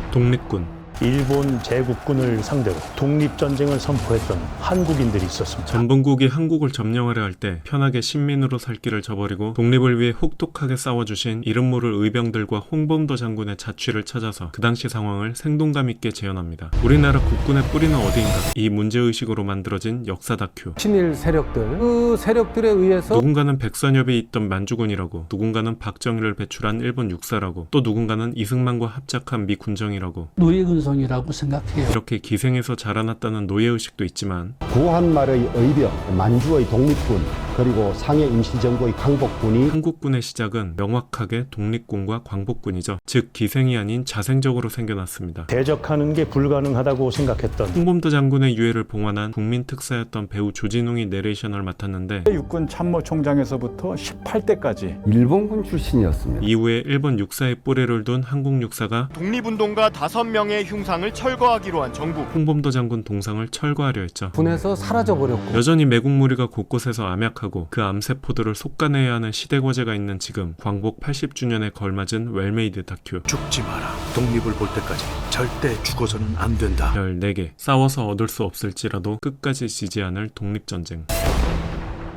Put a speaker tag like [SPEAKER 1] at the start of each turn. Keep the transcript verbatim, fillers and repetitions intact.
[SPEAKER 1] 독립군.
[SPEAKER 2] 일본 제국군을 상대로 독립전쟁을 선포했던 한국인들이 있었습니다.
[SPEAKER 1] 전범국이 한국을 점령하려 할 때 편하게 신민으로 살 길을 저버리고 독립을 위해 혹독하게 싸워주신 이름 모를 의병들과 홍범도 장군의 자취를 찾아서 그 당시 상황을 생동감 있게 재현합니다. 우리나라 국군의 뿌리는 어디인가? 이 문제의식으로 만들어진 역사 다큐.
[SPEAKER 3] 친일 세력들, 그 세력들에 의해서
[SPEAKER 1] 누군가는 백선엽이 있던 만주군이라고, 누군가는 박정희를 배출한 일본 육사라고, 또 누군가는 이승만과 합작한 미 군정이라고,
[SPEAKER 4] 노예근성이라고 생각해요.
[SPEAKER 1] 이렇게 기생에서 자라났다는 노예의식도 있지만
[SPEAKER 5] 구한말의 의병, 만주의 독립군, 그리고 상해 임시정부의 광복군이
[SPEAKER 1] 한국군의 시작은 명확하게 독립군과 광복군이죠. 즉 기생이 아닌 자생적으로 생겨났습니다.
[SPEAKER 2] 대적하는 게 불가능하다고 생각했던
[SPEAKER 1] 홍범도 장군의 유해를 봉환한 국민 특사였던 배우 조진웅이 내레이션을 맡았는데
[SPEAKER 6] 육군 참모총장에서부터 십팔 대까지
[SPEAKER 5] 일본군 출신이었습니다.
[SPEAKER 1] 이후에 일본 육사의 뿌리를 둔 한국 육사가
[SPEAKER 7] 독립운동가 다섯 명의 흉상을 철거하기로 한 정부.
[SPEAKER 1] 홍범도 장군 동상을 철거하려 했죠.
[SPEAKER 3] 분해서 사라져버렸고
[SPEAKER 1] 여전히 매국무리가 곳곳에서 암약하고 그 암세포들을 속가내야 하는 시대 과제가 있는 지금 광복 팔십 주년에 걸맞은 웰메이드 다큐.
[SPEAKER 8] 죽지 마라. 독립을 볼 때까지 절대 죽어서는 안 된다.
[SPEAKER 1] 별 네 개. 싸워서 얻을 수 없을지라도 끝까지 지지 않을 독립전쟁.